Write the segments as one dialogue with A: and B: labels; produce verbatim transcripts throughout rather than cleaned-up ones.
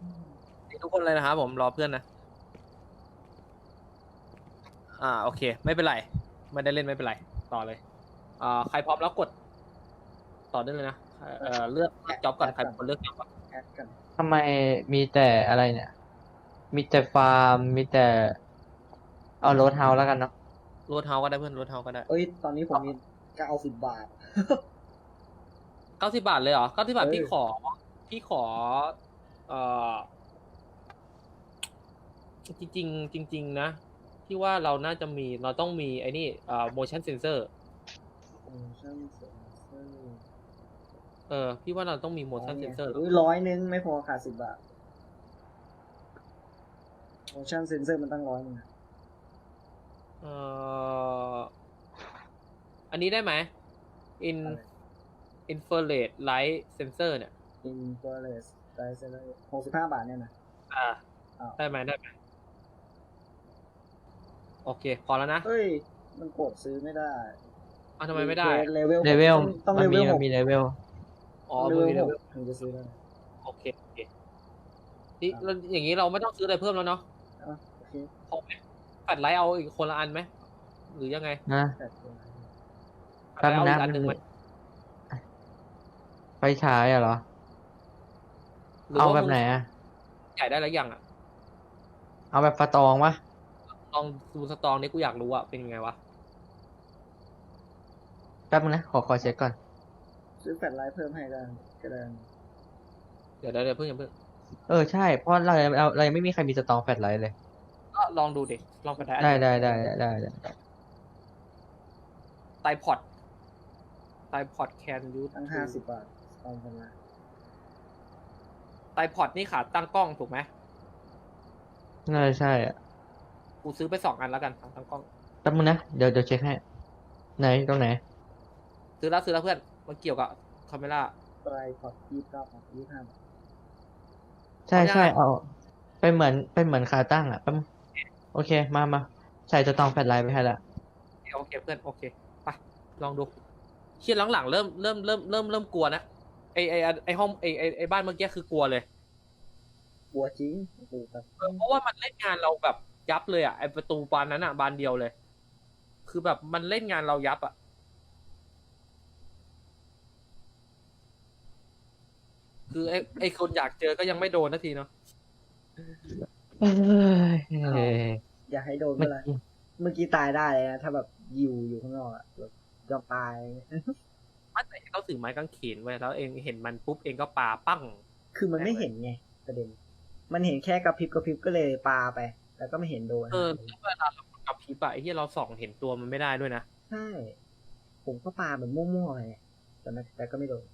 A: ทุกคนเลยนะครับผมรอเพื่อนนะอ่าโอเคไม่เป็นไรไม่ได้เล่นไม่เป็นไรต่อเลยอ่าใครพร้อมแล้วกดต่อได้เลยนะเอ่อเลือกเลือกจ็อบก่อนใครเป็นคนเลือกจ็อบก่อน
B: แอดกัน
C: ทำไมมีแต่อะไรเนี่ย มีแต่ฟาร์ม มีแต่เอาโรดเฮาส์แล้วกันเนาะ
A: โรดเฮาก็ได้เพื่อนโรดเฮาก็ได้
B: เอ้ยตอนนี้ผมมีเก้าสิบบาท
A: เก้าสิบบาทเลยเหรอเก้าสิบบาท
B: เออ
A: พี่ขอพี่ขอเอ่อจริงๆจริงๆนะพี่ว่าเราน่าจะมีเราต้องมีไอ้นี่เอ่อ motion sensor
B: โมชั่นเซนเซอร์
A: เออพี่ว่าเราต้องมี
B: อ๋อ
A: motion
B: เนี่ย
A: sensor
B: อุ้ยร้อยนึงไม่พอขาดสิบบาท motion sensor มันตั้งร้อยนึงอะ
A: เอ่ออันนี้ได้ไหม in
B: อะไร
A: infrared light sensor เนี่ย
B: infrared light sensor หกสิบห้าบาทเนี่ยนะ
A: อ่า
B: อ้าว
A: ได้ไหมได้ไหมโอเคพอแล้วนะ
B: เฮ้ยมันกดซื้อไม่ได้
A: อ้าวทำไมไม่ได้
B: เลเวล
C: เลเวล
B: ต้อง
C: มั
B: เล
C: น
B: เว
C: มี
B: ลห
C: มัน
B: ก
C: มีเลเวล
A: อ๋อ
B: เล
A: มัน
B: เวล
A: มี
B: ห
A: เล
B: ก
A: เวล
B: ถึงจะซื้อได้
A: โอเคโอเคนี่เราอย่างนี้เราไม่ต้องซื้ออะไรเพิ่มแล้วเนาะ
B: อ่ะโอเค
A: พอไหมแฟลชไลท์เอาอีกคนละอันไหมหรือยังไง
C: นะ
B: แปดตัว
A: แฟลชไลท์เอา
C: แป๊
A: อี
C: บ
A: กอันห
C: นึ
A: นึ่
C: ง
A: งไหม
C: นะไฟฉายอะเหรอ
A: หรือ
C: เอา
A: ว่า
C: แบ
A: มึ
C: บ
A: ง
C: ไหนอะ
A: ใหญ่ได้แล้วยังอ่ะ
C: เอาแบบฟาตองปะ
A: ลองดูสตองนี้กูอยากรู้อ่ะเป็นยังไงวะ
C: แป๊บนึงนะ ขอขอเช็คก่อน
B: ซื้อแฟลชไลท์เพิ่มให้ได้ก็ได้
A: เดี๋ยวเดี๋ยวเดี๋ยวเพิ่งอย่าเพิ่ง
C: เออ ใช่ เพราะเราเราเรายังไม่มีใครมีสตองแฟลชไลท์เลย
A: ก็ลองดูดิลองแฟลชไลท์อัน
C: ได้
A: เดียว
C: ได้ได้ได้ได้ได้
A: ไตพอดไตพอดแคนยู
B: ตั้งห้าสิบบาทตอนกันละ
A: ไตพอดนี่ขาตั้งกล้องถูกไหม
C: น่าจะใช่อะ
A: กูซื้อไปสองอันแล้วกันขาตั้งกล้อง
C: แป๊บนึงนะ เดี๋ยวเดี๋ยวเช็คให้ ไหน ตรงไหน
A: ซื้อแล้วซื้อแล้วเพื่อนมันเกี่ยวกับคาเมล่า
B: ไตรพอร์ตยี่สิบเก้าบาทยี่สิบห้าบาท
C: ใช่
A: เอายัง
C: ใช่
A: ไง
C: เอาเป็นเหมือนเป็นเหมือนขาตั้งอะแป๊บนึงโอเค มามาใส่สตองแฟลชไลท์ไปให้ละ
A: โอเคเพื่อนโอเคไปลองดูเชี่ยหลังๆเริ่มเริ่มเริ่มเริ่มเริ่มกลัวนะไอไอไอห้องไอไอไอบ้านเมื่อกี้คือกลัวเลย
B: กลัวจริงโอ้โหแบบ
A: เพราะว่ามันเล่นงานเราแบบยับเลยอ่ะไอประตูบานนั้นอ่ะบานเดียวเลย คือแบบมันเล่นงานเรายับอ่ะคือไอไอคนอยากเจอก็ยังไม่โดนนาทีเนาะ
C: เอ้ย
B: อยากให้โดน
C: เมื่
B: เมื่
C: อ
B: อไหร
C: กี้
B: เมื่อกี้ตายได้เลยนะถ้าแบบยิวอยู่ข้างนอกอะแบบยอมตาย
A: ไม่แต่เขาถือไม้กางเขนไว้แล้วเองเห็นมันปุ๊บเองก็ปาปั้ง
B: คือมันไม่เห็นไงประเด็น มันเห็นแค่กระพริบกระพริบก็เลยปาไป แล้วก็ไม่เห็นโดน
A: เออแล้วเวลาเรากับพริบอะไอ้ที่เราส่องเห็นตัวมันไม่ได้ด้วยนะ
B: ใช่ ผมก็ปาแบบมั่วๆไปแต่ไม่แต่ก็ไม่โดน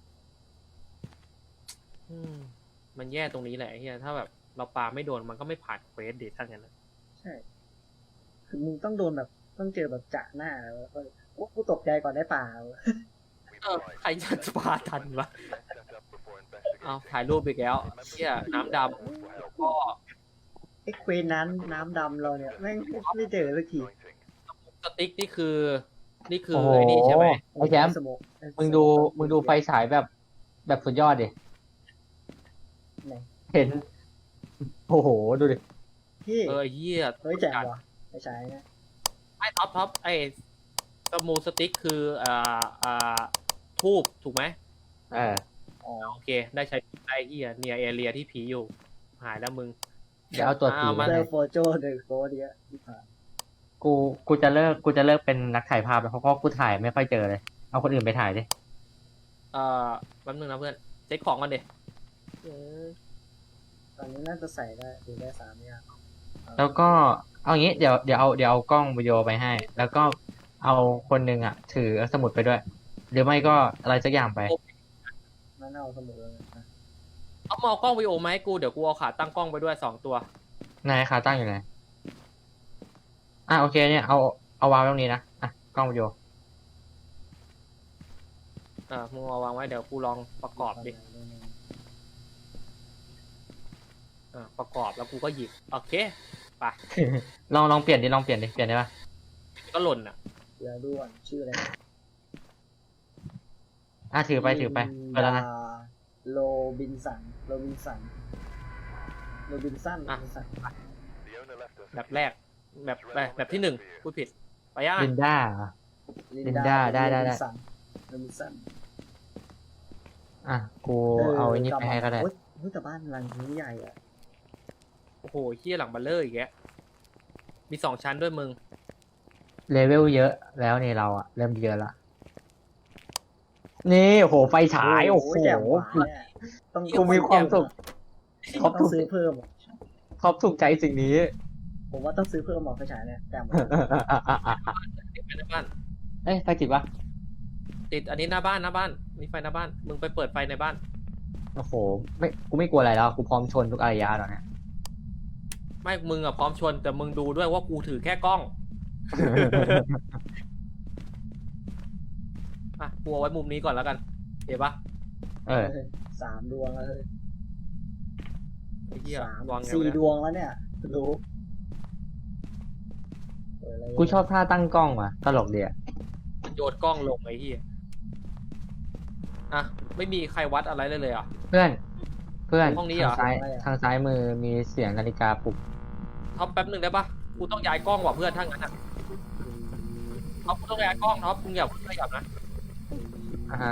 A: อืมมันแย่ตรงนี้แหละไอ้เฮียถ้าแบบเราปาไม่โดนมันก็ไม่ผ่านเควสเดททั้งนั้นนะ
B: ใช่ คือมึงต้องโดนแบบต้องเจอแบบจะหน้าแล้วก็โอ้กูตกใจก่อนได้ป่า
A: เออใครจะปาทันวะเอาถ่ายรูปไปแล้วเฮียน้ำดำก็
B: ไอ้เควสนั้นน้ำดำเราเนี่ยแม่งไม่เจอสักที
A: สติ๊กนี่คือ นี่คือ
C: โอ้โห
A: ไอ้นี่ใช่ไหม
C: ไอ้แชมป์
B: สโมก
C: มึงดู มึงดูไฟฉายแบบ แบบสุดยอดดิ
B: ไหน
C: เห็น โอ้โห ดูดิ
B: พี่
A: เออเฮีย
B: เฮ้ยแจ๋งว่ะไม่ใช่นะ
A: ไอ้ท็อปท็อปไอ้สมูสติ๊กคืออ่าอ่าทูบถูกไหม
C: เออ
B: อ๋อ
A: โอเค ได้ใช้ได้เฮียเนียเอเรียที่ผีอยู่ หายแล้วมึง
C: เดี๋ยวเอาตัวผี
A: เอา
C: มา
A: มา
B: เจ
C: ให้
B: อโฟโจเดอะโฟเดียที่ผ่าน
C: กู กูจะเลิก กูจะเลิกเป็นนักถ่ายภาพแล้วเพราะว่ากูถ่ายไม่ค่อยเจอเลย เอาคนอื่นไปถ่ายดิ
A: เอ่อแป๊บนึงนะเพื่อนเช็คของก่อนดิเออ
B: ตอนนี้น่าจะใส่ได้ดูได้สามอย่าง
C: แล้วก็ เอางี้ เดี๋ยว เดี๋ยวเอา เดี๋ยวเอากล้องวิดีโอไปให้ แล้วก็เอาคนหนึ่งอ่ะ ถือสมุดไปด้วย หรือไม่ก็อะไรสักอย่างไป
B: นั่นเอาสมุดเลยนะ
A: เอามาเอากล้องวิดีโอมาให้กูเดี๋ยวกูเอาขาตั้งกล้องไปด้วยสองตัวน
C: ายขาตั้งอยู่ไหน อ่ะโอเคเนี่ย เอา เอาวางไว้ตรงนี้นะ อ่ะ กล้องวิดีโอ
A: อ่ามึงเอาวางไว้เดี๋ยวกูลองประกอบดิอ่าประกอบแล้วกูก็หยิบโอเคไป
C: ลองลองเปลี่ยนดิ ลองเปลี่ยนดิ เปลี่ยนได้ปะ
A: ก็หล่นอ่ะ
B: เดี๋ยวดูก่อนชื่ออะไรนะ
C: อ่ะถือไปถือไปไปแล้วนะ
B: โรบินสันโรบินสันโรบินสัน
A: อ่ะ
B: โรบินสัน
A: แบบแรกแบบแบบแบบที่หนึ่งพูดผิดไปย่าง
C: ลินด้าเหรอ ลินดาได้ได้ได้
B: โรบินสันโรบินสัน
C: อ่ะกูเอาไอ้นี่ไปให้ก็ได้
B: โอ๊ยเฮ้ยแต่บ้านหลังนี้ใหญ่อะ
A: โอ้โหเฮียหลังบัลเลอร์อีกแกมีสองชั้นด้วยมึง
C: เลเวลเยอะแล้วนี่เราอะเริ่มเยอะละนี่โอ้โหไฟฉายโอ้โห
B: แจ่มว่ะเนี่ยต้อง
C: กูมีความสุข ครบ
B: ต้
C: ทุ
B: อก งซื้อเพิ่มอะ
C: ครอบถูกใจสิ่งนี้
B: ผมว่าต้องซื้อเพิ่มหมอไฟฉายเนี่ยแจ่มว่ะ
A: ติดไฟหน้าบ้าน
C: เอ้ยไฟติดปะ
A: ติดอันนี้หน้าบ้านหน้าบ้านมีไฟหน้าบ้าน มึงไปเปิดไฟในบ้าน
C: โอ้โหไม่กูไม่กลัวอะไรแล้วกูพร้อมชนทุกอารยะแล้วเนี่ย
A: ไม่มึงอ่ะพร้อมชนแต่มึงดูด้วยว่ากูถือแค่กล้องอ่ะกูเอาไว้มุมนี้ก่อนแล้วกันเห็นปะ
C: เออ
B: สามดวงแล้วเลย
A: ไอ้เหี้ย
B: สาม
A: วางไง
B: สี่
A: วะเนี่ย
B: ดวงแล้วเนี่ยรู้เปิดอะไร
C: กูชอบท่าตั้งกล้องว่ะตลกดีอะ
A: โยนกล้องลงไอ้เหี้ยอ่ะไม่มีใครวัดอะไรเลยเลยเหรอ่ะ
C: เพื่อน เพื่อน
A: ห้องนี้เหรอ
C: ทางซ้ายทางซ้ายมือมีเสียงนาฬิกาปลุก
A: ท็อปแป๊บหนึ่งได้ปะกูต้องย้ายกล้องว่ะเพื่อนถ้างั้นอ่ะท็อปกูต้องย้ายกล้องท็อปมึงอย่าขยับนะ
C: อ่าฮะ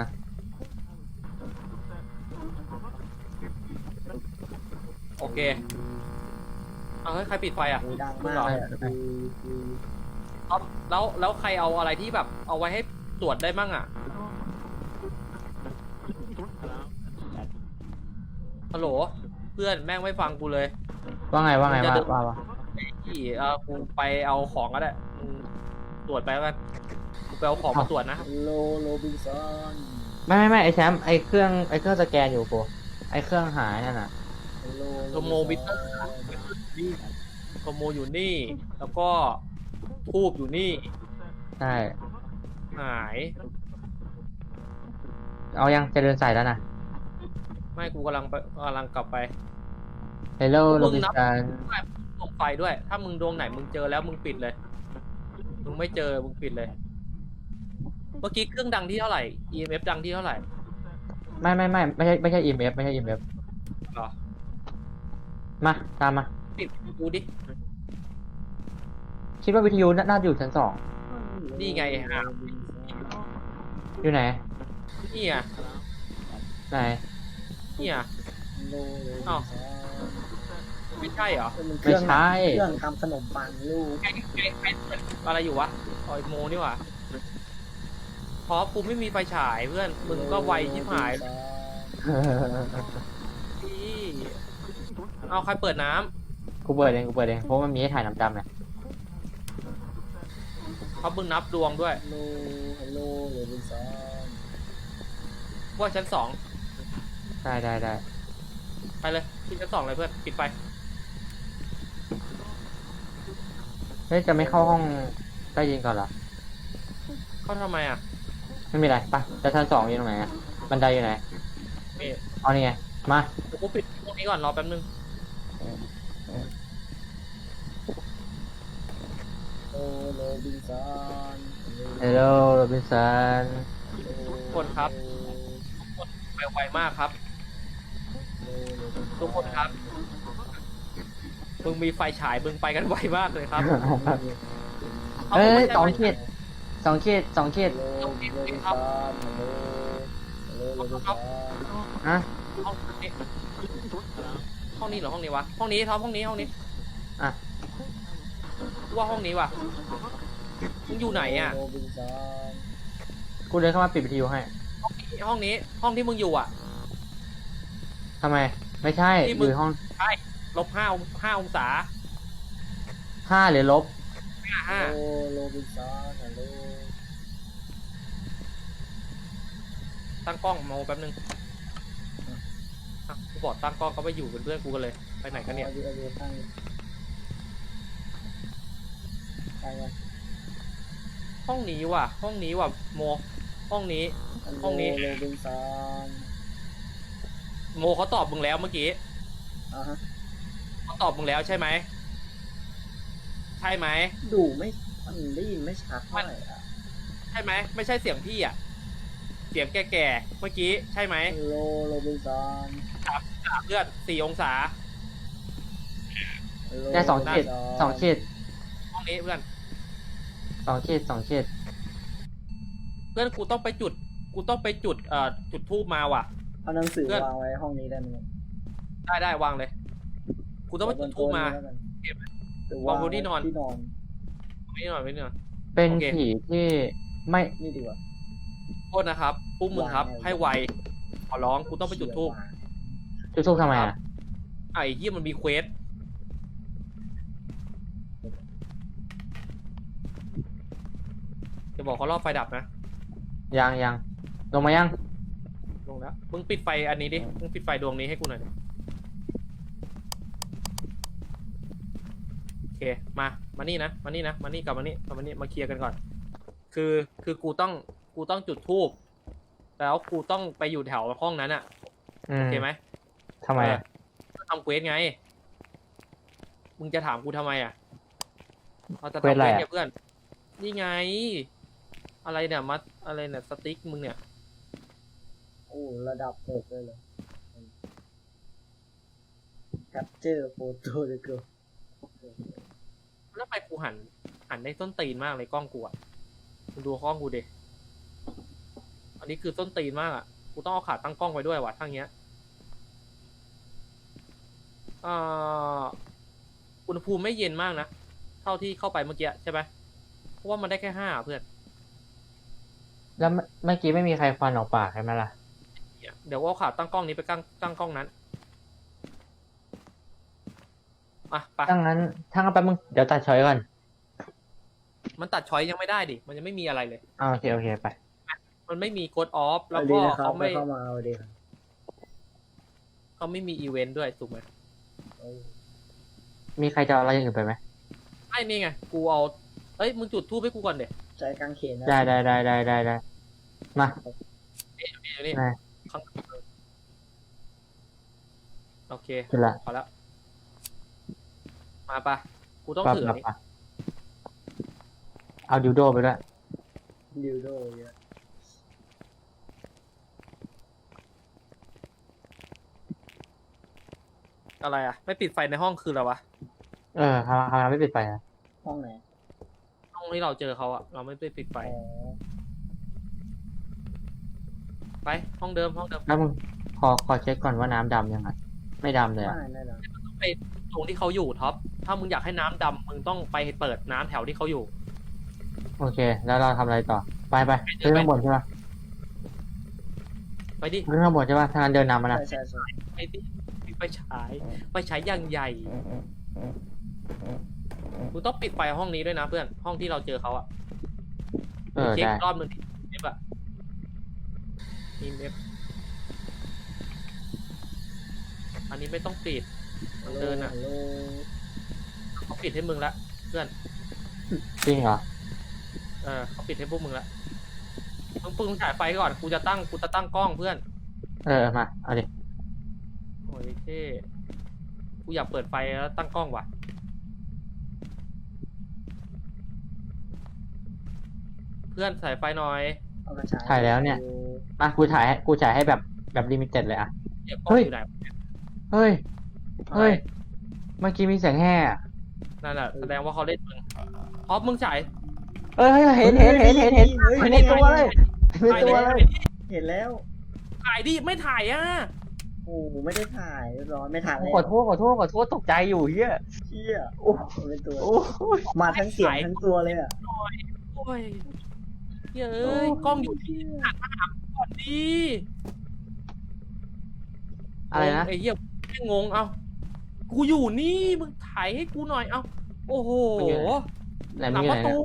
A: โอเคเอาเฮ้ยใครปิดไฟอ่ะ
B: โอ้ยดัง
A: มึง
B: มาก
A: เหรอ
B: เลยอะคือคือ
A: ท็อปแล้วแล้วใครเอาอะไรที่แบบ เอาไว้ให้ตรวจได้มั่งอ่ะฮัลโหลเพื่อนแม่งไม่ฟังกูเลย
C: ว่าไงว่าไง
A: มึง
C: ว่า
A: จะเดิน
C: ว่าว่า
A: ที่เออกูไปเอาของก็ได้มึงตรวจไปแล้วกันกูไปเอาของมาตรวจนะ
B: โลโรบินสัน
C: ไม่ไม่ไม่ไอแชมป์ไอเครื่องไอเครื่องสแกนอยู่กูไอเครื่องหายนั่นน่ะ
B: โล
A: โทโมบิเตอร์นี่โทโมอยู่นี่ แล้วก็ทูบอยู่นี่
C: ใช่
A: หาย
C: เอายังจะเดินสายแล้วนะ
A: ไม่กูกำลังไปกำลังกลับไป
C: Hello
A: มึ
C: โร
A: ง
C: บิน
A: นับ
C: สัน
A: ดวงไฟด้วย ถ้ามึงดวงไหนมึงเจอแล้วมึงปิดเลย มึงไม่เจอมึงปิดเลย เมื่อกี้เครื่องดังที่เท่าไหร่ อี เอ็ม เอฟ ดังที่เท่าไหร่
C: ไม่ไม่ไม่ไม่ใช่ไม่ใช่ อี เอ็ม เอฟ ไม่ใช่ อี เอ็ม เอฟ
A: หรอ
C: มาตามมา
A: ปิดกูดิ
C: คิดว่าวิทยุน่าน่าอยู่ชั้นสอง
A: นี่ไงอ่ะ
C: อยู่ไหน
A: นี่อ่ะ
C: ไหน
A: นี่อ่ะ
B: โลโรบิน
A: อ้าว
B: สัน
A: ไม่ใช่เหรอ
B: มันเค
C: ไม่
B: รื่อง
C: ใช่
B: เครื่องทำขนมปังลูก
A: ใครใครใครเปิดอะไรอยู่วะออยโมนี่หว่าเพราะกูไม่มีไฟฉายเพื่อน มึงก็ไวชิบหายพี่เอาใครเปิดน้ำ
C: กูเปิดเองกูเปิดเองเพราะมันมีให้ถ่ายน้ำดำเนี่ย
A: เขามึงนับดวงด้วย
B: โลโลโรบินสัน
A: ว่าชั้นสอง
C: ได้ได้ได้
A: ไปเลยที่ชั้นสองเลยเพื่อน ปิดไฟ
C: เฮ้ยจะไม่เข้าห้องใต้ยินก่อนเหรอ
A: เข้าทำไมอ่ะ
C: ไม่มีอะไรไปจะชั้นสองอยู่ตรงไหนอะบันไดอยู่ไหน
A: นี่
C: เอานี่ไงมา
A: เดี๋ยวกูปิดพวกนี้ก่อนรอแป๊บนึง
B: โลโรบินสัน
C: Hello โรบินสัน
A: คนครับ ไปไวมากครับ ทุกคนครับ มึงมีไฟฉายมึงไปกันไวมากเลยครับ
C: เอ้
A: มึ
C: ย
A: ไม่ใช่
C: สอง
A: ไฟ
C: ขีดสองขีดสองขีด
B: โลโรบินสันโลโลโรบินสัน
C: อะ
A: ห้องนี้ห้องนี้เหรอห้องนี้วะ ห้องนี้ท็อปห้องนี้ห้องนี้
C: อ่ะ
A: ว่าห้องนี้วะมึงอยู่ไหนอ่ะ
B: โรบินสัน
C: กูเดินเข้ามาปิดวิทยุให้
A: ห้องนี้ ห้องที่มึงอยู่อ่ะ
C: ทำไม ไม่ใช่
A: ที่
C: อ
A: มึง
C: ยู่ห้อง
A: ใช่ลบห้าห้าองศา
C: ห้าหรือลบ
A: ห้าห้า
B: โลโรบินสันฮัลโหล
A: ตั้งกล้องมาแป๊บนึงอ่ะกูบอกตั้งกล้องก็ไปอยู่เป็นเพื่อนกูกันเลย ไปไหนกันเนี่ย
B: อาดูอาดูตั้งตั้งไว้
A: ห้องนี้ว่ะ ห้องนี้ว่ะโม ห้องนี้ ห้องนี้
B: โรบินสัน
A: โมเขาตอบมึงแล้วเมื่อกี้
B: อ่าฮะ
A: เขาตอบมึงแล้วใช่ไหม ใช่ไหม
B: ดูไม่มันได้ยินไม่ชัดเท่าไหร่อ่ะ
A: ใช่ไหม ไม่ใช่เสียงพี่อ่ะ เสียงแก่ๆ เมื่อกี้ใช่ไหม
B: โลโรบินสัน
A: สามสามเลือดสี่องศา
C: ได้สองขีดสองขีด
A: ห้องนี้เพื่อน
C: สองขีดสองขีด
A: เพื่อนกูต้องไปจุด กูต้องไปจุดเอ่อจุดทูบมาว่ะ
B: เอาหนังสือ
A: เพื่อน
B: วางไว้ห้องนี้ได้ไหม
A: ได้ได้วางเลย กูต้องไปจุดทูบมา เก็บ
B: หรือ
A: วางบนที่นอน
B: ที่นอน
A: ไม่นอนไม่นอน
C: เป็น
A: โอเค
C: ผีที่ไม่
B: นี่ดีกว่า
A: โทษนะครับพวกมึงครับ
B: วางไว้
A: ให้ไวขอร้องกูต้องไปจุดทูบ
C: จุดทูบทำไมอ่ะ
A: ไอ้เหี้ยมันมีเควสจะบอกเขารอบไฟดับนะ
C: ยังยังลงมายัง
A: ลงแล้ว มึงปิดไฟอันนี้ดิ มึงปิดไฟดวงนี้ให้กูหน่อยดิโอเค มา มานี่นะ มานี่นะ มานี่กลับมานี่กลับมานี่ มาเคลียร์กันก่อน คือ คือกูต้อง กูต้องจุดธูป แล้วกูต้องไปอยู่แถวห้องนั้นอะ
C: อื
A: โอ
C: ม
A: เคไหม
C: ทำไมอ่ะ
A: เออทำเควสไง มึงจะถามกูทำไมอะเราจะ
C: เคว
A: ทำ
C: สอะไร
A: เควส
C: อะ
A: เนี่ยเพื่อน นี่ไง อะไรเนี่ย มัด อะไรเนี่ย สติ๊กมึงเนี่ย
B: โอ้ระดับหกเลยเหรอ capture photo เลยเกิน
A: แล้วไปกูหัน หันได้ส้นตีนมากเลยกล้องกูอ่ะมึงดูกล้องกูดิ อันนี้คือส้นตีนมากอ่ะ กูต้องเอาขาตั้งกล้องไว้ด้วยว่ะทั้งเนี้ยอ่าอุณหภูมิไม่เย็นมากนะ เท่าที่เข้าไปเมื่อกี้ใช่ไหมเพราะว่ามันได้แค่ห้าเพื่อน
C: แล้วเมื่อเมื่อกี้ไม่มีใครฟันออกปากใช่ไหมล่ะ
A: เดี๋ยวเอาขาตั้งกล้องนี้ไปตั้งตั้งกล้องนั้นอ่ะไป
C: ถ้างั้นถ้างั้นแป๊บมึงเดี๋ยวตัดช้อยก่อน
A: มันตัดช้อยยังไม่ได้ดิ มันยังไม่มีอะไรเลย
C: อ่าโอเคโอเคไป
A: มันไม่มีกดออฟแล้ว
B: เอาดี
A: ก็
B: นะครับ
A: เขาไม่
B: เข้ามาเอาดีครับ
A: เขาไม่มีอีเวนต์ด้วยถูกไหม
B: โอ้
C: มีใครจะเอาอะไรอย่างอื่นไปไหม
A: ไอ้นี่ไง กูเอา เอ้ย มึงจุดทูบให้กูก่อนเดี๋ยว
B: ใจกางเขนนะ
C: ได้ได้ได้ได้ได้ได้มา
A: นี่นี่
C: ได้
A: ข้างโอเค
C: จุดละ
A: พอแล้ว มาปะกูต้อง
C: ปั๊บ
A: ถือ
C: ปั๊บ
A: นี่
C: ปั๊บเอาดิวโดไปด้วย
B: ดิวโดเยอะ
A: อะไรอ่ะ ไม่ปิดไฟในห้องคืออะไรวะ
C: เออทำทำไมไม่ปิดไฟอ่ะ
B: ห้องไหน
A: ห้องที่เราเจอเขาอ่ะ เราไม่ได้ปิดไฟ
B: อ๋อ
A: ไป ห้องเดิม ห้องเดิม
C: แล้วมึงขอขอเช็คก่อนว่าน้ำดำยังไงไม่ดำเลยอ่ะ
B: ไม่ไม่หรอก
A: ไปตรงที่เขาอยู่ท็อป ถ้ามึงอยากให้น้ำดำมึงต้องไปเปิดน้ำแถวที่เขาอยู่
C: โอเค แล้วเราทำอะไรต่อ ไปไปขึ้นข้างบนใช่ปะ
A: ไปดิ
C: ขึ้นข้างบนใช่ปะถ้างั้นเดินนำมานะ
B: ใช่ใช่ใช่
A: ไปดิไปฉาย ไปฉายอย่างใหญ่ มึงต้องปิดไฟห้องนี้ด้วยนะเพื่อน ห้องที่เราเจอเขาอ่ะ
C: เออ
A: เช็ค
C: ได้
A: รอบนึงเอฟอะอีเอฟอันนี้ไม่ต้องปิด มันเดินอ่ะ
B: ฮัลโหล
A: เขาปิดให้มึงละเพื่อน
C: จริงเหรอ
A: เออเขาปิดให้พวกมึงละมึงปึงฉายไฟก่อน กูจะตั้ง กูจะตั้งกล้องเพื่อน
C: เออมาเอาดิ
A: โอ้ยเท่กูอยากเปิดไฟแล้วตั้งกล้องว่ะ เพื่อนฉายไฟหน่อย
B: เอากระชาย
C: ถ่ายแล้วเนี่ย มากูถ่ายให้กูถ่ายให้แบบแบบลิมิเต็ดเลยอ่ะ
A: เดี๋ยวกล้อง
C: เฮ้ย
A: อยู่ไหน
C: เฮ้ย เฮ้ย
A: อะไร
C: เมื่อกี้มีเสียงแห่อะ
A: นั่นแหละแสดงว่าเขาเล่นมึงพอปมึงฉาย
C: เอ้ยเห็นเห็นเห็นเห็นเห็น
B: ฮ้ย
C: เห็น
B: นี่
C: ในตัวเลยเห็นในตัวเลย
B: เห็นแล้ว
A: ถ่ายดิ ไม่ถ่ายอ่ะ
B: โอ้โหไม่ได้ถ่ายเรียบร้อยไม่ถ่ายเลย
C: ขอโทษขอโทษขอโทษตกใจอยู่เฮีย
B: เชี่ย
C: โอ้
B: เป็นตัว
C: โอ้ย
B: มาทั้งเสียงทั้งตัวเลยอ่ะ
A: โอ้ยเฮ้ยเอ้ยกล้องอยู่ที่หันมาหากูก่อนดิ
C: อะไรนะ
A: ไอ้เหี้ยแม่งงงเอ้ากูอยู่นี่มึงถ่ายให้กูหน่อยเอ้าโอ้โห
C: ไหน
A: ห
C: มึ
A: ลั
C: ง
A: ง
C: อยู่
A: ประ
C: ไหน
A: ตู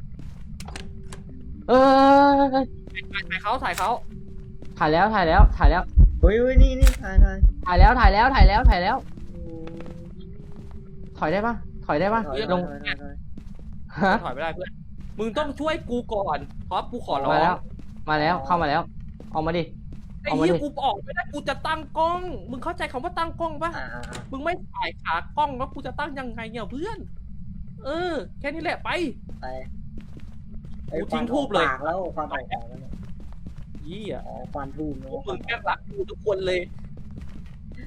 C: เนี่ยเออ
A: ถ่ายถ่ายเขาถ่ายเขา
C: ถ่ายแล้วถ่ายแล้วถ่ายแล้ว
B: เฮ้ยเฮ้ยนี่นี่ถ่ายถ่าย
C: ถ่ายแล้วถ่ายแล้วถ่ายแล้วถ่ายแล้ว
B: โอ้
C: ถอยได้ปะถอยได้ปะ
B: ถอย
C: ลง
B: ถอยถอยถอย
C: ฮะ
A: ถอยไม่ได้เพื่อนมึงต้องช่วยกูก่อนเพราะกูขอร้อง
C: มาแล้ว มาแล้วเข้ามาแล้วออกมาดิ
A: ไอ้
C: เอามา
A: เหี้ย
C: ดิ
A: กูออกไม่ได้กูจะตั้งกล้อง มึงเข้าใจคำว่าตั้งกล้องปะ
B: อ่าอ่าอ่า
A: มึงไม่ถ่ายขากล้องแล้วกูจะตั้งยังไงเนี่ยเพื่อน เออ แค่นี้แหละไป
B: ไป
A: กูทิ้งทูบเลย
B: ปากแล้วควันออกปากแล้วเนี่ย
A: ยี่อ่ะ
B: อ๋อควันทูบเน
A: พวก
B: อะ
A: มึงแค่รักกูทุกคนเลย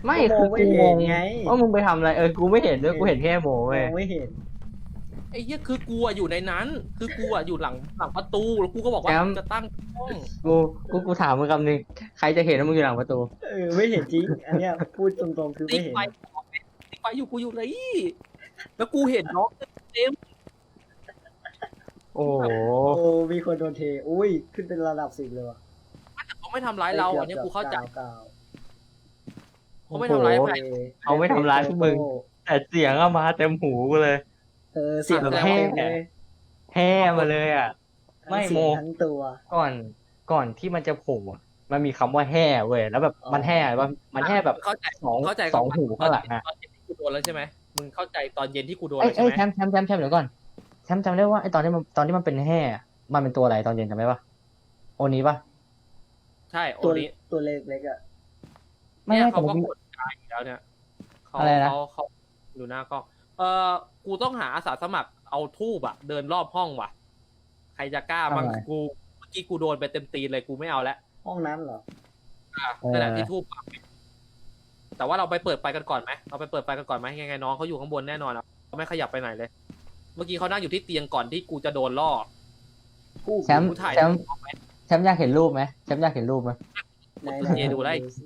C: ไม่
B: กูม
C: คือ อง
B: ไม่
C: กูง
B: เห็น
C: ง
B: ไง
C: ว่ามึงไปทำอะไรเออกูไม่เห็นด้วยกูเห็นแค่โม
B: ม
C: เว้ย
B: องไม่เห็น
A: ไอ้เหี้ยคือกูอะอยู่ในนั้น คือกูอะอยู่หลังหลังประตูแล้วกูก็บอกว่า
C: แชมป์
A: จะตั้งห้อง
C: กูกูกูถามมึงคำนึงใครจะเห็นว่ามึงอยู่หลังประตู
B: เออไม่เห็นจริง อันเนี้ยพูดตรงๆคือ
A: ติ๊
B: ไม่
A: ก
B: เห็น
A: ไฟติ๊กไฟอยู่กูอยู่เลยแล้วกูเห็นน้องเต็ม
C: โอ้โห
B: โอ้มีคนโดนเทอุ้ยขึ้นเป็นระดับสิบเลยว่ะ
A: แต่เขาไม่ทำร้ายเราอันเนี้ยกูเข้าใจ
B: เก้า
A: เขาไม่ทำร้าย
C: โอ้
A: ใค
C: โห
A: ร
C: เขาไม่ทำร้ายพวกมึง แต่เสียงอะมาเต็มหูกูเลย
B: เออเสียง
A: แบบ
B: เต็ม
C: แห่
B: เลย
C: แห่มาเลยอ่ะ ไม่
B: ทั้งเสียง
C: โม
B: ทั้งตัว
C: ก่อนก่อนที่มันจะโผล่อะมันมีคำว่าแห่เว้ยแล้วแบบ
B: อ๋อ
C: มันแห่ว่ามันแห่แบบ
A: เข้าใจ
C: สอง
A: เข้าใจ
C: สองหูข้างหลังอะ
A: ตอนเย็นที่กูโดนแล้วใช่ไหมมึงเข้าใจตอนเย็นที่กูโดน
C: เอ้ย
A: แล้วใช่
C: เอ้ย
A: ไหม
C: แชมป์แชมป์แชมป์แชมป์เดี๋ยวก่อนแชมป์จำได้ว่าไอ้ตอนที่มันตอนที่มันเป็นแห่อะมันเป็นตัวอะไรตอนเย็นจำได้ปะโอนี้ปะ
A: ใช่โอ
B: ตัว
A: นี้
B: ตัวเล็กเล็กๆอ่ะ
C: ไม่
A: เนี่ย
C: ไม่
A: เขา
C: แต่
A: ก็
C: มัน
A: กดตายอยู่แล้วเนี่ยเขา
C: อะไรนะ
A: เขาเขาอยู่หน้ากล้องเออกูต้องหาอาสาสมัครเอาทูบอะเดินรอบห้องว่ะ ใครจะกล้าบ้างกูเมื่อกี้กูโดนไปเต็มตีนเลยกูไม่เอาแล้ว
B: ห้องนั้นเหรอ
A: อ่ะนั่นแหละที่ทูบปักแต่ว่าเราไปเปิดไฟกันก่อนไหมเราไปเปิดไฟกันก่อนไหมยังไงน้องเขาอยู่ข้างบนแน่นอนอะเขาไม่ขยับไปไหนเลย เมื่อกี้เขานั่งอยู่ที่เตียงก่อนที่กูจะโดนล่อ
B: กู้
C: แชมป์
A: กูถ่าย
C: แชมป์แชมป์อยากเห็นรูปไหมแชมป์อยากเห็นรูปไหม
B: ไหน
A: เอดูได้
B: สิ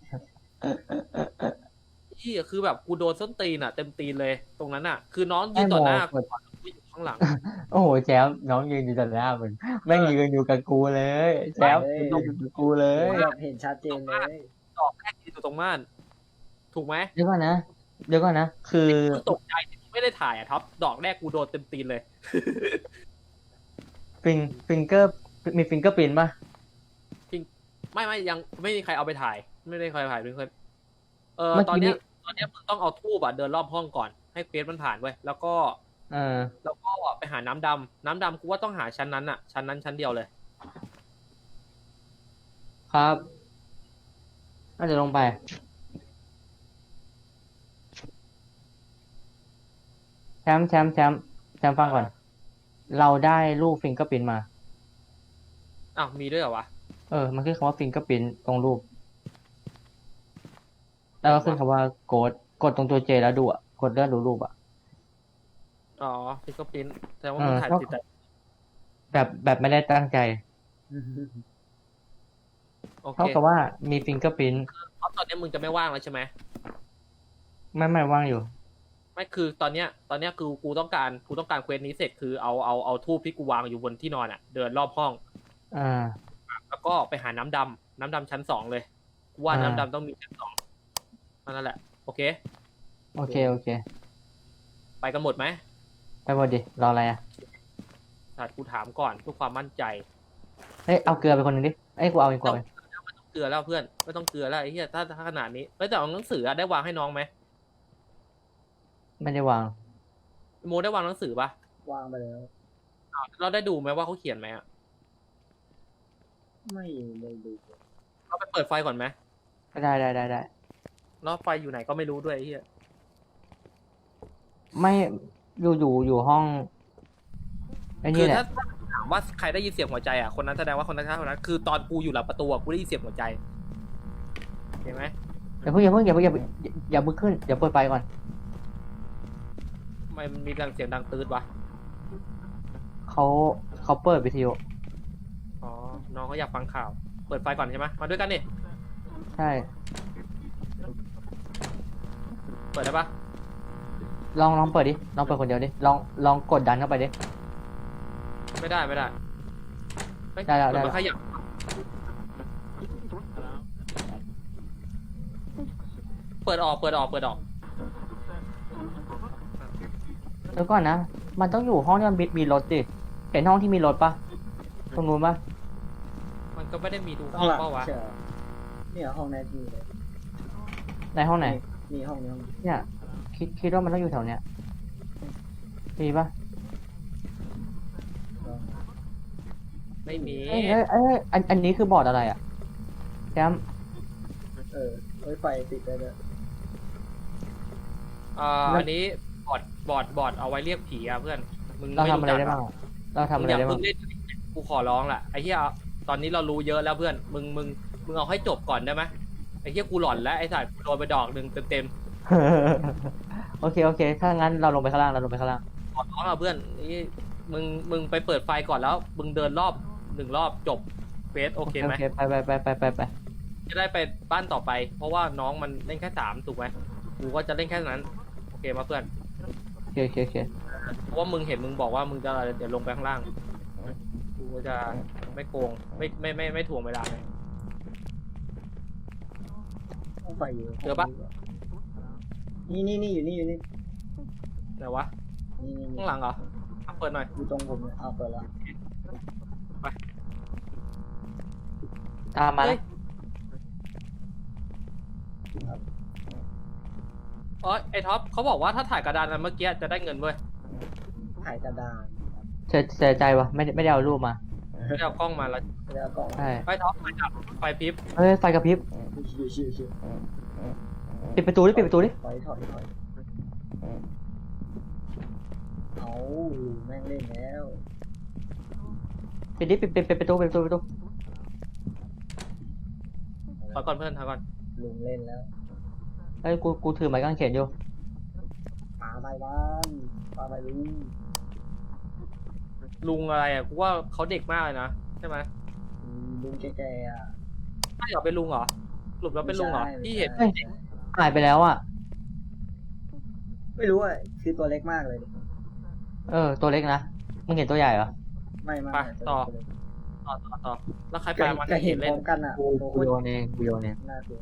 A: ที่คือแบบกูโดนส้นตีนอะเต็มตีนเลย ตรงนั้นอะคือน้องยืนต่อหน้ากูกูอยู่ข้างหลัง
C: โอ้โหแชมป์น้องยืนอยู่ต่อหน้ามึงแม่งยืนอยู่กับกูเลยแชมป์ยืนอยู่กับกูเลย
B: แบบเห็นชัดเจนเลย
A: ดอกแรกยืนอยู่ตรงม่านถูกไหม
C: เดี๋ยวก่อนนะเดี๋ยวก่อนนะคือ
A: กูตกใจที่กูไม่ได้ถ่ายอะท็อปดอกแรกกูโดนเต็มตีนเลย
C: ฟิงฟิงเกอร์มีฟิงเกอร์ปินป่ะ
A: ไม่ไม่ยังไม่มีใครเอาไปถ่าย ไม่ได้ใครถ่ายเพื่อนเออ
C: เมื่อ
A: ตอน
C: กี้
A: เนี้
C: นี้
A: ยตอนเนี้ยมึงต้องเอาทูบอะเดินรอบห้องก่อนให้เฟสมันผ่านเว้ยแล้วก็
C: เออ
A: แล้วก็ไปหาน้ำดำน้ำดำกูว่าต้องหาชั้นนั้นอะชั้นนั้นชั้นเดียวเลย
C: ครับน่าจะลงไปแชมป์แชมป์แชมป์แชมป์ฟังก่อน เราได้รูปฟิงเกอร์ปินมา
A: อ้าวมีด้วยเหรอวะ
C: เออ มันขึ้นคำว่าฟิงเกอร์ปินตรงรูป แล้วก็ขึ้นคำว่าโกดกดตรงตัวเจแล้วดูอ่ะ กดเลื่อนดูรูปอ่ะ
A: อ๋อฟิกเกอร์พินแต่ว่า
C: เอ
A: มึง
C: อ
A: ถ่าย
C: ก็
A: ติดแต่
C: แบบแบบไม่ได้ตั้งใจ
A: โอเค
C: เท่ากับว่ามีฟิงเกอร์ปิน
A: เพราะตอนเนี้ยมึงจะไม่ว่างแล้วใช่ไหม
C: ไม่ไม่ว่างอยู่
A: ไม่คือตอนเนี้ยตอนเนี้ยคือกูต้องการกูต้องการเควสนี้เสร็จคือเอาเอาเอาทูบที่กูวางอยู่บนที่นอนอ่ะ เดินรอบห้อง
C: อ่า
A: แล้วก็ไปหาน้ำดำน้ำดำชั้นสองเลยกูว่า
C: อ่า
A: น้ำดำต้องมีชั้นสองนั่นแหละ โอเค
C: โอเค โอเค
A: ไปกันหมดไหม
C: ไปหมดดิ รออะไรอ่ะ
A: ถัดกูถามก่อนเพื่อความมั่นใจ
C: เฮ้ย เอาเกลือไปคนหนึ่งดิเอ้ย กูเอาเองกูเอาเอง
A: เกลือแล้วเพื่อนไม่ต้องเกลือแล้วไอ้เหี้ยถ้าถ้าขนาดนี้แล้วแต่เอาหนังสืออะได้วางให้น้องไหม
C: ไม่ได้วาง
A: โมได้วางหนังสือปะ
B: วางไปแล้ว
A: อ้าวเราได้ดูไหมว่าเขาเขียนไหมอะ
B: ไม่ได้ดู
A: เราไปเปิดไฟก่อนไหม
C: ได้ได้ได้ได้
A: แล้วไฟอยู่ไหนก็ไม่รู้ด้วยไอ้เหี้ย
C: ไม่อยู่อยู่อยู่ห้องไอ้
A: คื
C: นี่
A: อ
C: แหละ
A: ถ้าถ้าถามว่าใครได้ยินเสียงหัวใจอ่ะคนนั้นแสดงว่าคนนั้นคนนั้นคือตอนกูอยู่หลังประตูอะกูได้ยินเสียงหัวใจเห็นไหม
C: อย่าเพิ่งอย่าเพิ่งอย่าเพิ่งอย่าเพิ่งอย่าอย่าเพิ่งขึ้นอย่าเปิดไฟก่อน
A: ทำไมมันมีดังเสียงดังตืดวะ
C: เขาเขาเปิดวิทยุ
A: อ๋อน้องเขาอยากฟังข่าวเปิดไฟก่อนใช่ไหมมาด้วยกันนี่
C: ใช่
A: เปิดได้ปะ
C: ลองลองเปิดดิลองเปิดคนเดียวดิลองลองกดดันเข้าไปดิ
A: ไม่ได้ไม่ได้เฮ้ย
C: ได้แล้ว
A: เปิ
C: ได้แล้ว
A: มันขยับเปิดออกเปิดออกเปิดออก
C: เดี๋ยวก่อนนะมันต้องอยู่ห้องที่มันมีมีรถดิเห็นห้องที่มีรถปะตรงนู้นปะ
A: มันก็ไม่ได้มีดู
B: ข้า
A: ห้
B: ง
A: อง
B: หลัง
A: เปล่าวะ
B: ใช่เหรอเนี่ยห้องนั้นมีเลย
C: ในห้องไหน
B: นี่ห้องนี้ห้องนี้
C: เนี่ยคิดคิดว่ามันต้องอยู่แถวเนี้ยมีปะ
B: ลอง
A: ไม่มี
C: เอ้ยเอ้ยเอ้ยอันอันนี้คือบอร์ดอะไรอ่ะแชมป์
B: เออเอ้ยไฟติดได้ด้วย
A: อ่าอันนี้บอร์ดบอร์ดบอร์ดเอาไว้เรียกผีอะเพื่อนมึง
C: เรา
A: ไม่
C: ทำอะไร
A: จัก
C: ได้บ้างอะเราทำ
A: มึ
C: อะ
A: ง
C: ไร
A: อย่า
C: ได้บ้า
A: เพิ่
C: ง
A: งเล่นกูขอร้องแหละไอ้เหี้ยตอนนี้เรารู้เยอะแล้วเพื่อนมึงมึงมึงเอาให้จบก่อนได้ไหมอ้เหี้ยกูหลอนแล้วไอ้สัตว์กูโดนไปดอกหนึ่งเต็ม
C: โอเคโอเค ถ้างั้นเราลงไปข้างล่างเราลงไปข้างล่าง
A: ๆขอร้องอ่ะเพื่อนนี่มึงมึงไปเปิดไฟก่อนแล้ว มึงเดินรอบหนึ่งรอบจบเฟสโอเคไหม
C: โอเคไปไปไปไปไปไป
A: จะได้ไปบ้านต่อไป เพราะว่าน้องมันเล่นแค่สามถูกไหมกูก็จะเล่นแค่นั้นโอเคมาเพื่อน
C: โอเคโอเคโอเค
A: เพราะว่ามึงเห็นมึงบอกว่ามึงจะเดี๋ยวลงไปข้างล่างกูก็จะไม่โกงไม่ไม่ไม่ไม่ถ่วงเวลาเลย
B: ห้องไฟอยู่
A: เจอปะ
B: นี่นี่นี่อยู่นี่อยู่นี่
A: ไหนวะ
B: นี่นี่
A: ข้างหลังเหรออ่ะเปิดหน่อย
B: อยู่ตรงผมเนี่ยเอาเปิดแล้ว
C: ตามมา
A: เฮ้ยอ๋อไอ้ท็อปเขาบอกว่าถ้าถ่ายกระดานอันเมื่อกี้จะได้เงินเว้ย
B: ถ่ายกระดาน
C: เสียเสียใจวะไม่ได้ไม่ได้เอารูปมา
A: ไม่ได้เอากล้องมาแล้ว
B: แล้วก็
C: ใช่
A: ไอ้ท็อปไฟดับไฟพริบ
C: เฮ้ยไฟกระพริบ
B: ชิวชิวชิว
C: ปิดประตูดิปิดประตูดิ
B: ถอยถอยถอยเอาแม่งเล่นแล้ว
C: ปิดดิปิดปิดปิดประตูปิดประตูปิดประตู
A: ถอยก่อนเพื่อนถอยก่อน
B: ลุงเล่นแล้ว
C: เฮ้ยกูกูถือไม้กางเขนอยู่
B: ปาไปบ้านปาไปลุง
A: ลุงอะไรอ่ะกูว่าเขาเด็กมากเลยนะใช่ไหม
B: อืมลุงแก่ๆอ่ะ
A: ถ้าอยากเป็นลุงเหรอสรุปแล้วเป็นลุงเหรอ
B: ไม่ใช่
A: ที่เห็น
B: ไม่ใช่
C: หายไปแล้วอ่ะ
B: ไม่รู้อ่ะคือตัวเล็กมากเลยดิ
C: เออตัวเล็กนะมึงเห็นตัวใหญ่เหรอ
B: ไม่ไม่
A: ไป
B: ไม่
A: ต่อ
B: ตัวเล็ก
A: ต่อต่อต่อแล้วใครไป
B: จะ
A: มา
B: จะเห็นพ
A: เล่
B: ร้
A: น
B: อมกันอ่ะ
C: กู
B: โอ้โห
C: กูโยนเองกูโยนเอง
B: น่ากลัว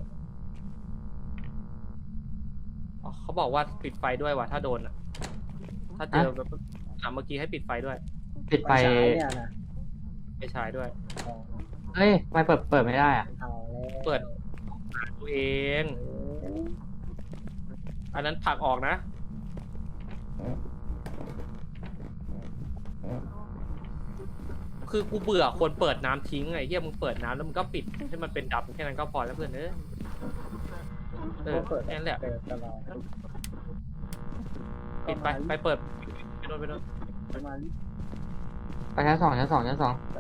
A: อ๋อเขาบอกว่าปิดไฟด้วยว่ะถ้าโดนอ่ะถ้าเจอแบบอ่ะเมื่อกี้ให้ปิดไฟด้วย
C: ปิดไฟ
B: ไฟฉายเนี่ยนะ
A: ไปฉายด้วย
B: อ๋อ
C: เฮ้ยไฟเปิดเปิดไม่ได้อ่ะ
B: เอาแล้ว
A: เปิด ตัวเอง
B: เออ
A: อันนั้นผลักออกนะ คือกูเบื่อคนเปิดน้ำทิ้งไงเฮียมึงเปิดน้ำแล้วมึงก็ปิดให้มันเป็นดับแค่นั้นก็พอแล้วเพื่อนเอ้ยเออ
B: เปิด
A: แค่นั้นแหละ
B: เปิดตลอด
A: ปิดไปไปเปิดไปโดนไปโดน
B: ประมาณ
C: ไปชั้นสองชั้นสองชั้นสอง
B: ไป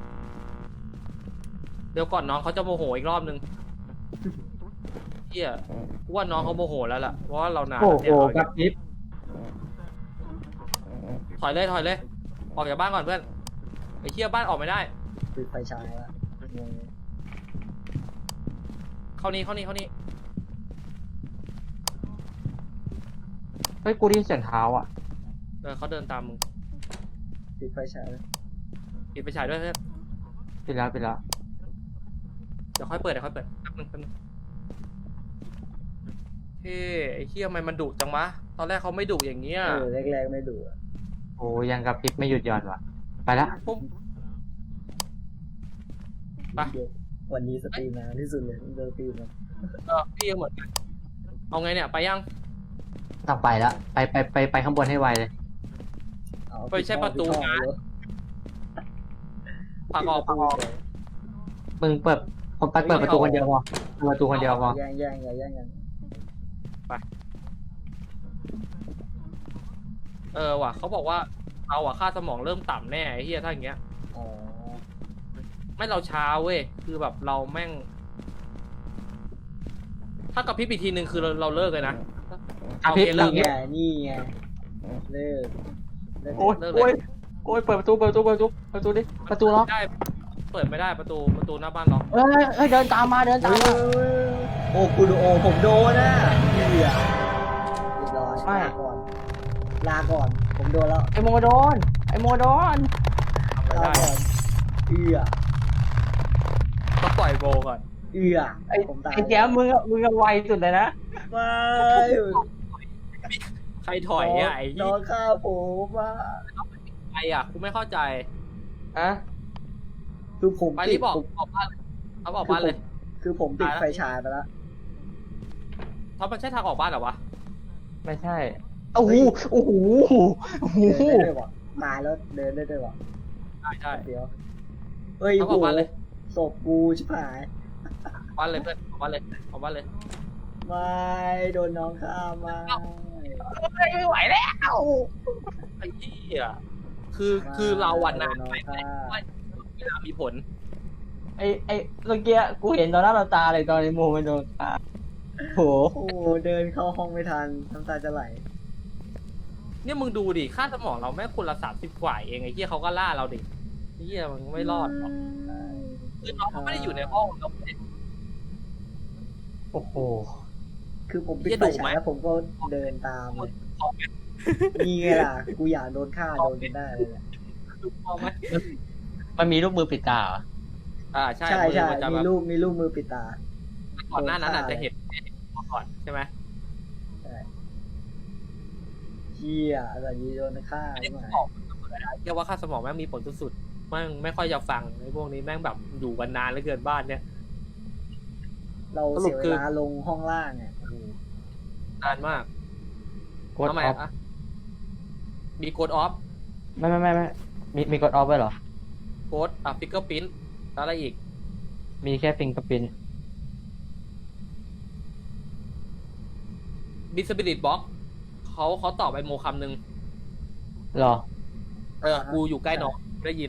A: เดี๋ยวก่อนน้องเขาจะโมโหอีกรอบนึงเฮียกูว่าน้องเขาโมโหแล้วล่ะเพราะว่าเรานาน
C: โอ้
A: แล้ว
C: โห
A: เนี่ย
C: กระพริบ
A: ถอยเลยถอยเลย ออกจากบ้านก่อนเพื่อนไอ้เฮียบ้านออกไม่ได้
B: ปิดไฟฉายละงง
A: เข้านี่เข้านี่เข้านี่
C: เฮ้ยกูได้ยินเสียงเท้าอ่ะ
A: เออเขาเดินตามมึง
B: ปิดไฟฉายละ
A: ปิดไปฉายด้วยเพื่อน
C: ปิดแล้วปิดแล้ว
A: เดี๋ยวค่อยเปิดเดี๋ยวค่อยเปิดแป๊บนึงแป๊บนึงเฮ้ยไอ้เฮียทำไมมันดุจังวะตอนแรกเขาไม่ดุอย่างเงี้ย
B: เออแรกๆไม่ดูอะ
C: โอ้ยังกระพริบไม่หยุดหย่อนว่ะไปละ
A: ปุ๊บ ไป
B: เดี๋ยววันนี้สตรีมนานที่สุดเลยเดินสตรีมมา
A: เออพี่ก็เหมือนกันเอาไงเนี่ยไปยัง
C: ต้องไปละไปไปไปไปข้างบนให้ไวเลย
B: เอา
A: ไม่ใช่ประตู
B: ปิดห้อง
A: นะ
B: เลย
A: ผลักออกผลักออก
C: มึงเปิดผมไปเปิดประตูคนเดียวพอเปิดประตูคนเดียวพอ
B: แย่งแย่งอย่าแย่งกัน
A: เออว่ะเขาบอกว่าเราอะค่าสมองเริ่มต่ำแน่ไอ้เฮียถ้าอย่างเงี้ย
B: อ๋อ
A: ไม่เราช้าเว้ยคือแบบเราแม่ง ถ้ากระพริบอีกทีหนึ่งคือเราเราเลิกเลยนะ
C: กระพริบ
A: โอเคเลิก
B: นี่ไงนี่ไงเลิกเลิก
C: โอ้ยโอ้ยโอ้ยเปิดประตูเปิดประตูเปิดประตูเปิดประตูดิประตูล็อก
A: ได้เปิดไม่ได้ประตูประตูหน้าบ้านล็อก
C: เอ้ยเอ้ยเดินตามมาเดินตามมา
B: โอ้กูโดโอผมโดนนะเหยื่อเรียบร้อย
C: ไม่
B: ลาก่อน ลาก่อน ผมโดนแล้ว
C: ไอโมโดนไอโมโดน
A: ไม่
B: ลา
A: ได้
B: ก่อนเอือ
A: ต้องปล่อยโบก่อน
B: เอือ
C: ไอ
B: ผมตาย
C: ไอแก้มมึงอะมึงอะไวสุดเลยนะ
B: ไม่
A: ใครถอยอ่ะไอ้
B: น้
A: ยี่
B: องข้าผมว่า
A: ใครอ่ะกูไม่เข้าใจ
C: อะ
B: คือผม
A: ไปรีบบอก
B: ผม
A: ออกบ้านเลยเอาออกบ้านเลย
B: คือผมติด
A: ตายแล้ว
B: ไฟฉายไปแล้ว
A: เพราะมันใช่ทางออกบ้านเหรอวะ
C: ไม่ใช่โอ้โหโอ้โหโอ้โห
B: เดินได้ด้วยวะตายแล้วเดินได้ด้วยวะ
A: ได้ได้
B: เดี๋ยวเฮ้ย
A: เอา
B: โห
A: ออกบ้านเลย
B: ศพกูชิบหาย
A: บ้านเลยเพื่อนออกบ้านเลยออกบ้านเลย
B: ไม่โดนน้องฆ่ามา
C: ไม่ไหวแล้ว
A: ไอ้ที่อ่ะคือคือเราวันนั้น
B: โดน้องฆ่า
A: เวลามีผล
C: ไอไอเมื่อกี้กูเห็นตอนหน้าต่อตาเลยตอนไอโมมันโดนตาโห
B: โอ้เดินเข้าห้องไม่ทันน้ำตาจะไหล
A: เนี่ยมึงดูดิค่าสมองเราแม่งคนละสามสิบกว่าเองไอ้เหี้ยเขาก็ล่าเราดิไอ้เหี้ยมันไม่รอดหรอกคือน้องเขาไม่ได้อยู่ในห้องเราไม่ได้
C: โอ้โห
B: คือผมปิด
A: เหี้ย
B: ไฟ
A: ดุไหม
B: ฉายแล้วผมก็เดินตามเลยนี่ไงล่ะ กูอยากโดนฆ่าโดนจนได้เลยแหละ
A: ดูพอไหม
C: มันมีรูปมือปิดตาเหรอ
A: อ่าใช่
B: ใช่
A: มือ
B: ใช่
A: มันจะ
B: มี
A: แบบ
B: รูปมีรูปมือปิดตา
A: ก่อนหน้านั้นอาจ
B: โดนฆ่า
A: จะเห็นมาก่อนใช่ไหม
B: เฮียอะไรนี้โดนฆ่า
A: อันนี้
B: ใช่ไหม
A: บอกเรียกว่าค่าสมองแม่งมีผลสุดๆแม่งไม่ค่อยจะฟังไอ้พวกนี้แม่งแบบอยู่กันนานเหลือเกินบ้านเนี่ย
B: เรา
A: สรุ
B: เสี
A: ป
B: ย
A: คือ
B: เวลาลงห้องล่างอ่ะ
A: นานมาก
C: กด
A: ทำไม
C: ออฟ
A: อะมีโกดออฟ
C: ไม่ไม่ไม่ไม่มีมีกดออฟไว้เหรอ
A: โกดอ่ะฟิกเกอร์พิ้นแล้วอะไรอีก
C: มีแค่ฟิงกับปิน
A: บิสบิลิตบ็อกเขาเขาตอบไอโมคำหนึ่ง
C: หรอ
A: เออกูอยู่ใกล้น้องได้ยิน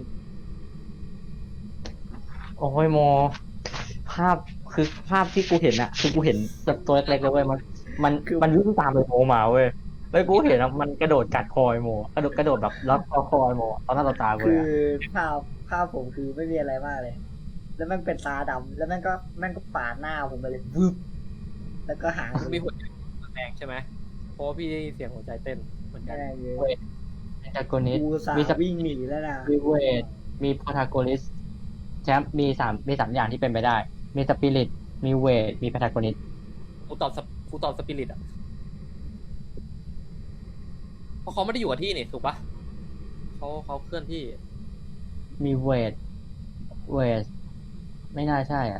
C: โอ้ยโม ภาพคือภาพที่กูเห็นอะคือกูเห็นแบบตัวเล็กๆเลยเว้ยมัน มันมันวิ่งตามไปโมมาเว้ยแล้วกูเห็นอะมันกระโดดกัดคอยโมกระโดดกระโดดแบบล็อกคอคอยโมตอนหน้าต่อตากู
B: คื
C: เลย
B: อ
C: อะ
B: ภาพภาพผมคือไม่มีอะไรมากเลย แล้วแม่งเป็นตาดำแล้วแม่งก็แม่งก็ปาดหน้าผมไปเลยวึบแล้วก็หาง
A: มีหัวใจแรงใช่ไหมเพราะว่าพี่ได้ยินเสียงหัวใจเต้นเหมือนกัน
B: แม่งเลย
C: จากโกนิส
B: กูสา
C: มีส
B: วิ่งหนีแล้วนะ
C: มีเวทมีโพทาโกนิสแชมป์มีสามมีสามอย่างที่เป็นไปได้ มีสปิริตมีเวทมีโพทาโกนิส
A: กูตอบสปกูตอบสปิริตอ่ะเพราะเขาไม่ได้อยู่กับที่นี่ถูกปะเขาเขาเคลื่อนที่
C: มีเวทเวทไม่น่าใช่อ่ะ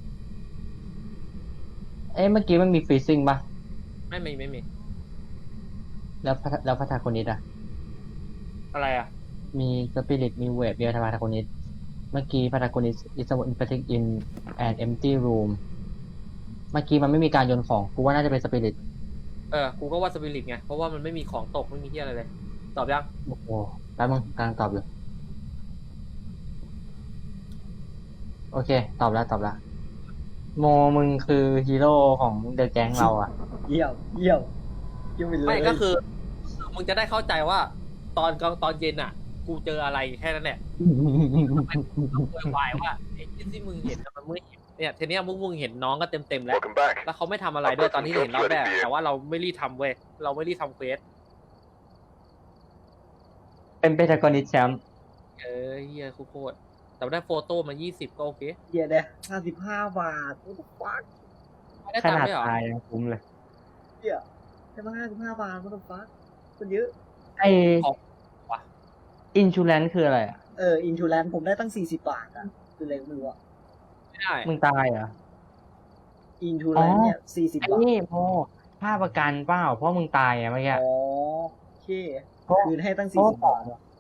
C: เอ้เมื่อกี้มันมีฟรีซิ่งปะ
A: ไม่มีไม่มี
C: แล้วพัทแล้วพัทาโกนิสอ่ะ
A: อะไรอ่ะ
C: มีสปิริตมีเวทมีพัทาโกนิสเมื่อกี้พัทาโกนิส is a infected in an empty room เมื่อกี้มันไม่มีการโยนของกูว่าน่าจะเป็นสปิริต
A: เออกูก็ว่าสปิริตไงเพราะว่ามันไม่มีของตกไม่มีที่อะไรเลย ตอบยัง
C: โอ้โหแป๊บมึงกำลังตอบอยู่โอเค ตอบแล้วตอบแล้วโมมึงคือฮีโร่ของเดอะแก๊งเราอ่ะ
B: เยี่ยมเยี่ยมเยี่ยมไปเลย
A: ไม่ก็คือมึงจะได้เข้าใจว่า ตอนกลางตอนเย็นอ่ะ กูเจออะไรแค่นั้นแหละต้องโวยวายว่าไอ้ที่ที่มึงเห็นน่ะมันไม่เห็นเนี่ยทีเนี้ยมึงมึงเห็นน้องก็เต็มเต็มๆแล้ว
D: Welcome back.
A: แล้วเขาไม่ทำอะไรด้วยตอนที่เห็นรอบแรกแต่ว่าเราไม่รีบทำเว้ยเราไม่รีบทำเควส
C: เป็นเบทากอนิสแชมป์
A: เออเฮียโคตรแต่ได้โฟโต้มายี่สิบก็โอเค
B: เยี่ยเด้ห้าสิบห้าบาทโอ้โหฟัก
A: ไม่ได้
C: ข
A: ตัง
C: นา
A: ค์
C: ด
A: ด้วยเหรอ
C: ตายยังคุ้มเลย
B: เยี่ยได้มาห้าสิบห้าบาทโอ้โหฟักมันเยอะ
C: ไออินชูแลนคืออะไรอ่ะ
B: เอออินชูแลนผมได้ตั้งสี่สิบบาทอ่ะคืออะไรไม่รู้อ่ะ
A: ไม่ได้
C: มึงตายเหรอ
B: อินชูแลนเนี่ยสี่สิบ
C: ไอ้
B: บาท
C: นี่โมค่าประกันเปล่าเพราะมึงตายอ่ะเมื่อกี้
B: อ๋อโอเค
C: เพราะ
B: คืนให้ตั้ง
C: เพ
B: สี่
C: ราะ
B: สิบบาทอะ